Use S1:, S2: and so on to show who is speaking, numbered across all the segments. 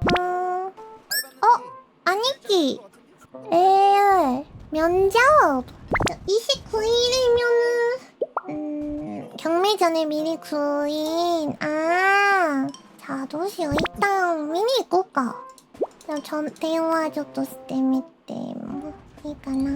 S1: 아니지. 레알 면접 29일이면은 경매전에 미리 구인. 자どうしよう。 일단見に行こうか。じゃあ電話ちょっとしてみてもいいかな。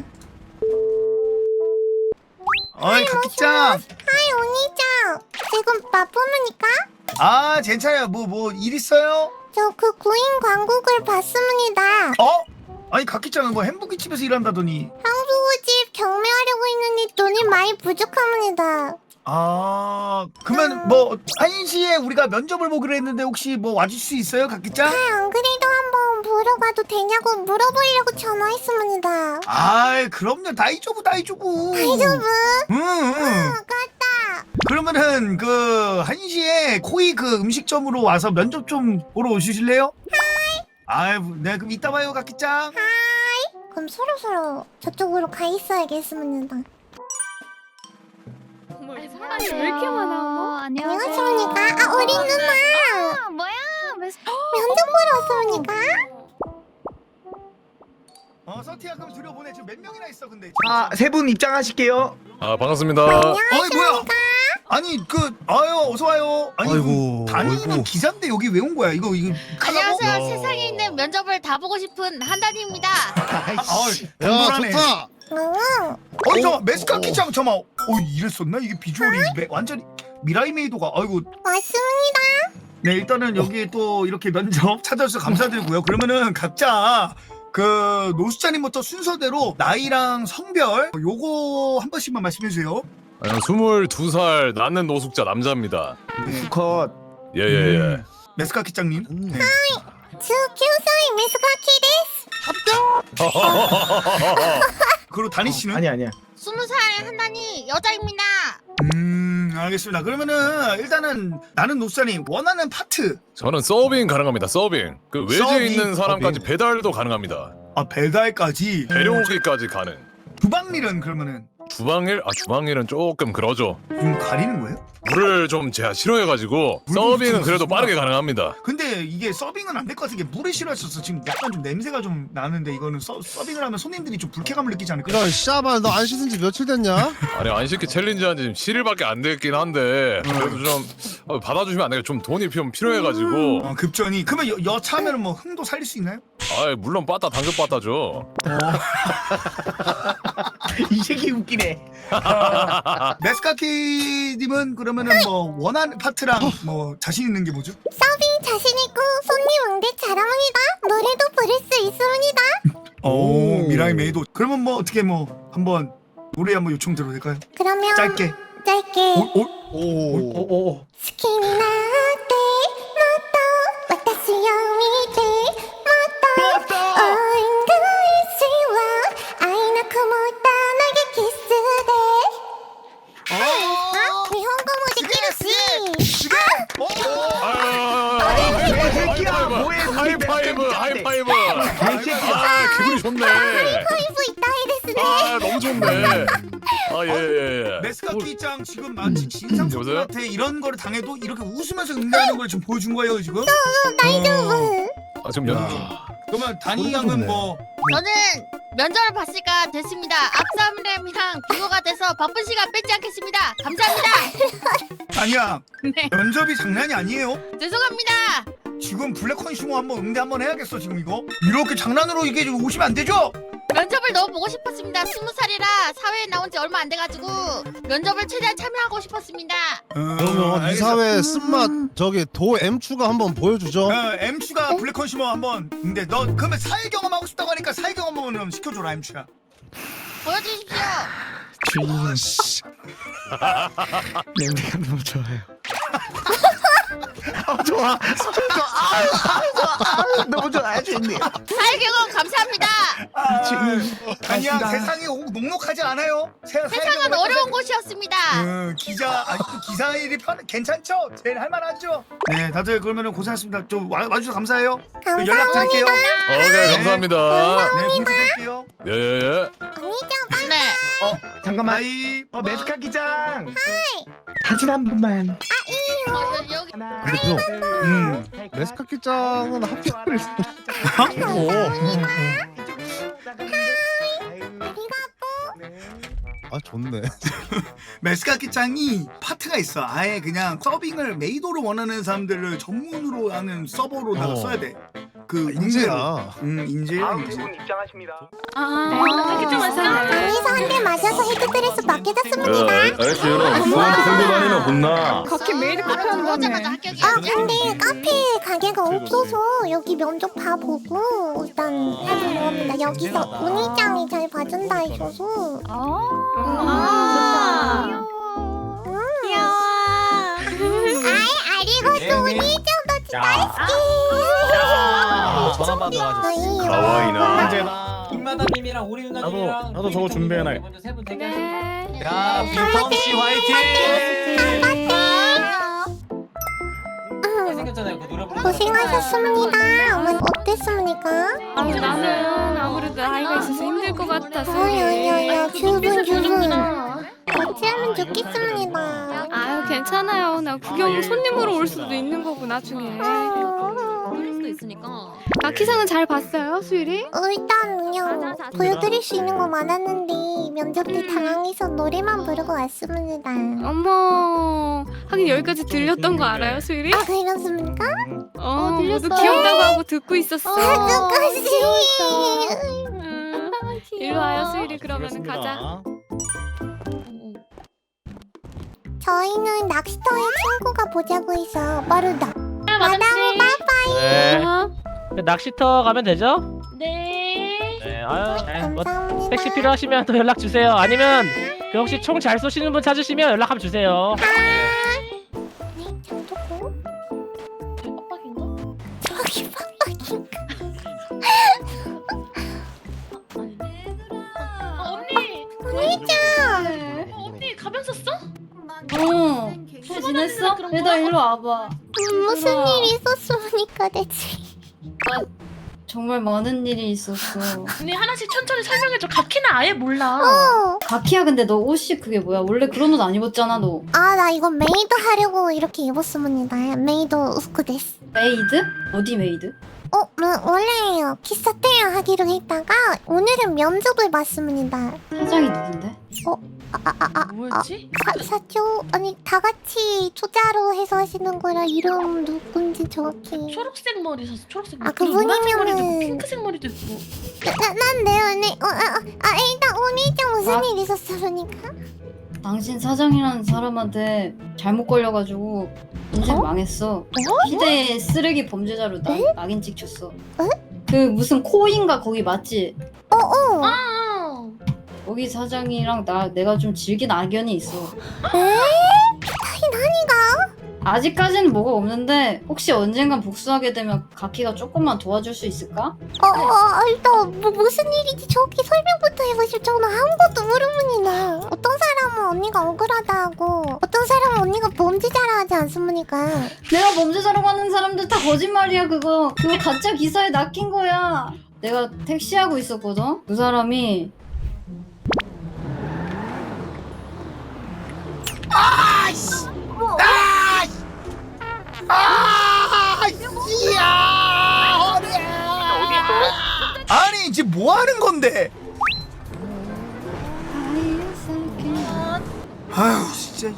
S2: 어이 각기짱.
S1: 하이 오니짱. 지금 바쁩니까?
S2: 아 괜찮아요. 뭐 일 있어요?
S1: 저 그 구인 광고글 봤습니다.
S2: 어? 아니 각기짱은 뭐 햄버거 집에서 일한다더니.
S1: 향수집 경매하려고 했는데 돈이 많이 부족합니다.
S2: 아 그러면 뭐 1시에 우리가 면접을 보기로 했는데 혹시 뭐 와줄 수 있어요 각기짱?
S1: 안 그래도 한번 보러 가도 되냐고 물어보려고 전화했습니다.
S2: 아이 그럼요. 다이조부.
S1: 다이저브?
S2: 응.
S1: 아깝다.
S2: 그러면은 그 1시에 코이 그 음식점으로 와서 면접 좀 보러 오실래요? 아이 네 그럼 이따 봐요 각기짱.
S1: 그럼 서로 저쪽으로 가 있어야겠습니다.
S3: 사람이 왜 이렇게 많아?
S1: 안녕하십니까? 우리 누나
S3: 뭐야?
S1: 면접 보러 왔습니까?
S2: 서티야 그럼 들여보내. 지금 몇 명이나 있어 근데.
S4: 세 분 입장하실게요.
S5: 아 반갑습니다.
S2: 어이 뭐야?
S1: 안녕하십니까?
S2: 아니 아유 어서 와요. 아니
S4: 아이고,
S2: 단위는
S4: 아이고.
S2: 기자인데 여기 왜 온 거야? 이거 카나고?
S3: 안녕하세요. 세상에 있는 면접을 다 보고 싶은 한단입니다.
S2: 야
S4: 좋다.
S2: 저 메스카 키짱 잠깐만. 이랬었나? 이게 비주얼이 완전히 미라이 메이도가. 아이고.
S1: 맞습니다.
S2: 네 일단은 여기 또 이렇게 면접 찾아주셔서 감사드리고요. 그러면은 각자 그 노수자님부터 순서대로 나이랑 성별 요거 한 번씩만 말씀해 주세요.
S5: 22살 낳는 노숙자 남자입니다.
S4: 컷.
S5: 예예예.
S2: 메스카 키짱님.
S1: 19歳 메스카키 데스.
S2: 그리고 다니 씨는?
S4: 아니야.
S3: 20살 한단이 여자입니다.
S2: 알겠습니다. 그러면은 일단은 나는 노수자님 원하는 파트.
S5: 저는 서빙 가능합니다. 서빙. 그 외지에
S2: 서빙,
S5: 있는 사람까지
S4: 서빙.
S5: 배달도 가능합니다.
S2: 배달까지.
S5: 데려오기까지 가능.
S2: 주방일은 그러면은
S5: 주방일? 주방일은 조금 그러죠.
S2: 좀 가리는 거예요?
S5: 물을 좀 제가 싫어해가지고
S2: 물
S5: 서빙은
S2: 좀
S5: 그래도
S2: 쓰시구나.
S5: 빠르게 가능합니다.
S2: 근데 이게 서빙은 안 될 것 같은 게 물을 싫어하셔서 지금 약간 좀 냄새가 좀 나는데 이거는 서빙을 하면 손님들이 좀 불쾌감을 느끼지 않을까?
S6: 이런 씨발 너 안 씻은 지 며칠 됐냐?
S5: 아니 안 시키 챌린지 한지 지금 7일밖에 안 됐긴 한데 그래도 좀 받아주시면 안 돼요. 좀 돈이 좀 필요해가지고.
S2: 급전이. 그러면 여차하면 뭐 흥도 살릴 수 있나요?
S5: 물론 빠따 당근 빠따죠.
S4: 이 새끼 웃기네.
S2: 메스카키님은 그러면은 뭐 원하는 파트랑 뭐 자신 있는 게 뭐죠?
S1: 서빙 자신있고 손님 응대 잘합니다. 노래도 부를 수 있습니다.
S2: 오 미라이 메이도. 그러면 뭐 어떻게 뭐 한번 노래 한번 요청 드려도 될까요?
S1: 그러면
S2: 짧게.
S4: 오.
S1: 好きになってもっと私を見てもっと恩返しは愛のこもった投げキスで日本語もできるし
S4: 새끼야, 뭐해?
S5: 하이파이브. 기분이 좋네.
S1: 하이파이브 이따이 데스네.
S5: 너무 좋네. 예.
S2: 메스카키짱 지금 마치 진상소녀한테 이런 거를 당해도 이렇게 웃으면서 응대하는 걸 지금 보여준 거예요 지금?
S1: 다이저브.
S5: 지금 연습 중.
S2: 그러면 다니 양은 뭐
S3: 저는 면접을 봤으니까 됐습니다. 악사람이랑 비교가 돼서 바쁜 시간 뺏지 않겠습니다. 감사합니다.
S2: 다니야
S3: 네,
S2: 면접이 장난이 아니에요?
S3: 죄송합니다.
S2: 지금 블랙 컨슈머 한번 응대 한번 해야겠어 지금 이거? 이렇게 장난으로 이게 좀 오시면 안 되죠?
S3: 면접을 너무 보고 싶었습니다. 20살이라 사회에 나온 지 얼마 안 돼가지고 면접을 최대한 참여하고 싶었습니다.
S6: 그러면 이 사회 쓴맛 저기 도 M추가 한번 보여주죠.
S2: M추가 블랙 컨슈머 한번 응대. 너 그러면 사회 경험 하고 싶다고 하니까 사회 경험 한번 시켜줘라 M추야.
S3: 보여주십시오.
S4: 냄새가 너무 좋아요. 좋아. 너무 좋아. 주인님.
S3: 사회 경험 감사합니다.
S2: 아니야 세상이 녹록하지 않아요.
S3: 세상은 어려운 곳이었습니다.
S2: 기사 일이 괜찮죠? 제일 할만하죠? 네 다들 그러면은 고생하셨습니다. 좀 와주셔서 감사해요. 연락 드릴게요.
S5: 오케이 감사합니다.
S2: 네 공지드릴게요.
S5: 예.
S1: 아니죠.
S3: 네.
S4: 잠깐만.
S2: 아이
S4: 메스카 기장. 사진 한 번만.
S3: 여기
S6: 근데 형 메스카키짱은 합격을 했어. 아 좋네.
S2: 메스카키짱이 파트가 있어. 아예 그냥 서빙을 메이도로 원하는 사람들을 전문으로 하는 서버로다가 써야 돼. 그
S6: 인재야.
S2: 인재야 인재.
S7: 입장하십니다.
S1: 강의사 한 대 맞아서 헤드드레스 맡겨졌습니다.
S8: 알았어 여러분 누구한테 들고 다니나 혼나.
S9: 각기 메이드 카페
S3: 들어오자마자
S9: 한다며.
S3: 합격이야.
S1: 아 근데 카페 가게가 없어서 여기 면접 봐보고 일단 해보려고 합니다. 여기서 운이짱이 잘 봐준다 해줘서 귀여워. 아리고또 운이짱도 다이스키.
S8: 전화 받아.
S1: 가와이나.
S7: 김마담님이랑 오리 누나님이랑
S8: 나도 저거 준비해놔.
S7: 먼저 세분 대결.
S8: 야 빈텀 씨 화이팅.
S7: 생겼잖아요. 그 노래 부르는
S1: 고생하셨습니다. 어머 어땠습니까?
S9: 나는 아무래도 아이가 있어서 힘들 것 같아서.
S1: 야야야 주분. 같이 하면 좋겠습니다.
S9: 아유 괜찮아요. 나 구경 손님으로 올 수도 있는 거고 나중에. 마키상은 잘 봤어요, 수일이?
S1: 일단 그냥 보여드릴 수 있는 거 많았는데 면접 때 당황해서 노래만 부르고 왔습니다.
S9: 어머, 하긴 여기까지 들렸던 거 알아요, 수일이?
S1: 아 그렇습니까?
S9: 모두 귀엽다고 하고 듣고 있었어.
S1: 끝까지.
S9: 일로 와요, 수일이. 그러면은 가자.
S1: 저희는 낚시터에 친구가 보자고 해서 빠르다. 마담 빠빠이.
S10: 네.
S9: 어?
S10: 낚시터 가면 되죠?
S9: 네.
S10: 네. 아유, 뭐
S1: 감사합니다.
S10: 택시 필요하시면 또 연락 주세요. 아니면 그 혹시 총 잘 쏘시는 분 찾으시면 연락 한번 주세요.
S1: 네, 잠깐만. 저기 빡빡인가?
S9: 언니 가면 썼어?
S11: 잘 지냈어? 얘들아 일로 와봐.
S1: 무슨 일이 있었습니까 대체?
S11: 정말 많은 일이 있었어.
S9: 언니 하나씩 천천히 설명해줘. 가키는 아예 몰라.
S11: 가키야 근데 너 옷이 그게 뭐야? 원래 그런 옷 안 입었잖아 너.
S1: 나 이거 메이드 하려고 이렇게 입었습니다. 메이드 우스쿠 데스.
S11: 메이드? 어디 메이드?
S1: 원래 기사테야 하기로 했다가 오늘은 면접을 봤습니다.
S11: 사장이 누군데?
S9: 뭐였지?
S1: 사초 아니 다 같이 초자로 해서 하시는 거라 이름 누군지 정확히.
S9: 초록색 머리 샀어. 초록색 머리.
S1: 그분이면은
S9: 핑크색 머리도 있고.
S1: 난데요, 네. 일단 오늘장 무슨 일 있었어, 그러니까?
S11: 당신 사장이라는 사람한테 잘못 걸려가지고 인생 망했어. 희대의 쓰레기 범죄자로 낙인 찍혔어. 그 무슨 코인가 거기 맞지? 거기 사장이랑 내가 좀 질긴 악연이 있어.
S1: 나니가?
S11: 아직까지는 뭐가 없는데 혹시 언젠간 복수하게 되면 가키가 조금만 도와줄 수 있을까?
S1: 일단 무슨 일인지 정확히 설명부터 해보실. 저는 아무것도 모르문이나. 어떤 사람은 언니가 억울하다고, 어떤 사람은 언니가 범죄자라 하지 않습니까?
S11: 내가 범죄자라고 하는 사람들 다 거짓말이야 그거 가짜 기사에 낚인 거야. 내가 택시하고 있었거든? 그 사람이
S2: 아니 이제 뭐 하는 건데? 아유 진짜.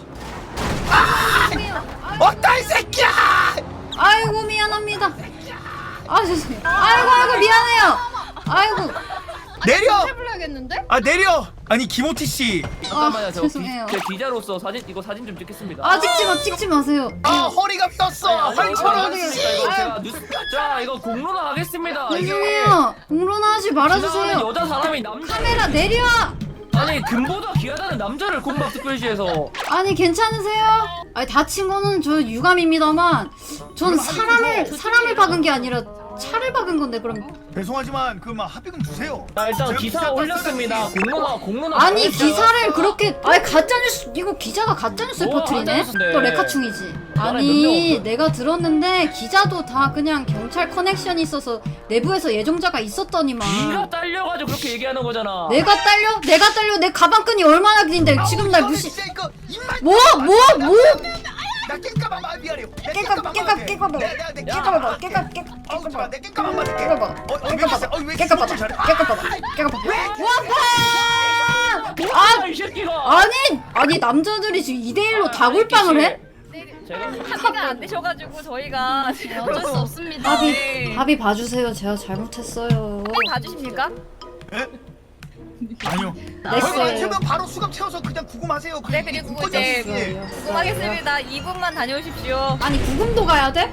S2: 어따 이 새끼야!
S11: 아이고 미안합니다. 죄송해요. 아이고 미안해요. 아이고
S2: 내려!
S3: 해불러야겠는데?
S2: 내려! 아니 김호티 씨.
S7: 잠깐만요.
S11: 죄송해요.
S7: 제 기자로서 사진 좀 찍겠습니다.
S11: 찍지 마세요.
S2: 허리가 떴어.
S7: 제가 뉴스 자 이거 공론화 하겠습니다.
S11: 죄송해요. 공론화하지 말아주세요.
S7: 여자 사람이 남자
S11: 카메라 내려와.
S7: 아니 금보다 귀하다는 남자를 공박 특별시에서
S11: 아니 괜찮으세요? 다친 거는 저 유감입니다만 전 사람을 박은 게 아니라 차를 박은 건데 그럼.
S2: 죄송하지만 그 합의금 주세요.
S7: 자 일단 기사 올렸습니다. 공론화
S11: 아니
S7: 하겠습니다.
S11: 기사를 그렇게 가짜뉴스 이거 기자가 가짜뉴스
S7: 뭐
S11: 퍼뜨리네?
S7: 가짜뉴스인데.
S11: 또 레카충이지. 아니 내가 들었는데 기자도 다 그냥 경찰 커넥션이 있어서 내부에서 예정자가 있었더니만.
S7: 네가 딸려가지고 그렇게 얘기하는 거잖아.
S11: 내가 딸려? 내 가방끈이 얼마나 긴데 지금 날 무시.
S2: 진짜 이거 입만
S11: 뭐?
S2: 나 깽까만 말 미안해요.
S11: 깨까봐
S10: 이 새끼가.
S11: 아니 남자들이 지금 2대1로 다굴빵을 해?
S9: 합의가 안 되셔가지고 저희가 어쩔 수 없습니다.
S11: 합의 봐주세요. 제가 잘못했어요.
S9: 봐주십니까?
S2: 아니요.
S11: 넥스.
S2: 맞으면 바로 수갑 채워서 그냥 구금하세요.
S9: 네, 그리고 이제 구금하겠습니다. 2분만 다녀오십시오.
S11: 아니 구금도 가야 돼?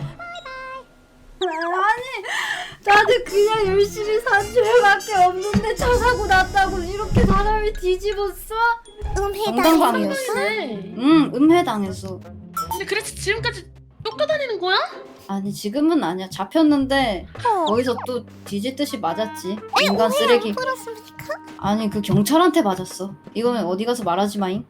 S11: 아니 나는 그냥 열심히 산 죄밖에 없는데 차 사고 났다고 이렇게 사람이 뒤집었어? 정당방이었어? 응 음해당했어.
S9: 근데 그래서 지금까지 쫓겨다니는 거야?
S11: 아니 지금은 아니야. 잡혔는데 거기서 또 뒤집듯이 맞았지. 인간 쓰레기.
S1: 풀었습니까?
S11: 아니 그 경찰한테 맞았어. 이거는 어디 가서 말하지 마잉.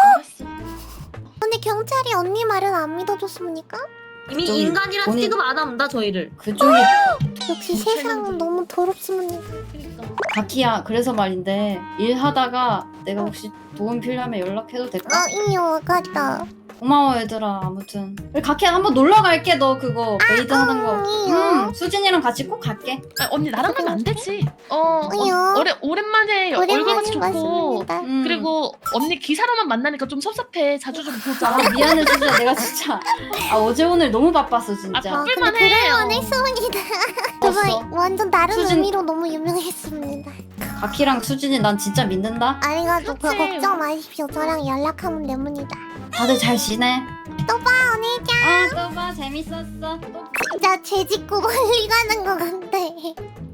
S1: 근데 경찰이 언니 말은 안 믿어줬습니까?
S11: 이미 인간이라 취급
S9: 안 합니다 저희를.
S11: 그쪽이
S1: 역시 세상은 너무 더럽습니다.
S11: 가키야. 그래서 말인데 일하다가 내가 혹시 도움 필요하면 연락해도 될까?
S1: 이요 와갔다.
S11: 고마워 얘들아. 아무튼 가키야 한번 놀러 갈게. 너 그거 메이드 하는 거.
S1: 이요.
S11: 수진이랑 같이 꼭 갈게.
S9: 언니 나랑 가면 안 되지.
S1: 이요.
S9: 오랜만에 얼굴같이 좋고
S1: 맞습니다.
S9: 그리고 언니 기사로만 만나니까 좀 섭섭해. 자주 좀 보자.
S11: 아 미안해 진짜. 내가 진짜 어제 오늘 너무 바빴어 진짜.
S9: 바쁠만 해.
S1: 그럴만 했습니다. 정말
S11: 됐어.
S1: 완전 다른
S11: 수진-
S1: 의미로 너무 유명했습니다.
S11: 가키랑 수진이 난 진짜 믿는다.
S1: 아니가지고
S9: 그렇지.
S1: 걱정 마십시오. 저랑 연락하면 됩니다.
S11: 다들 잘 지내?
S1: 또 봐, 언니짱.
S11: 또 봐. 재밌었어.
S1: 진짜 죄 짓고 멀리 가는 것 같아.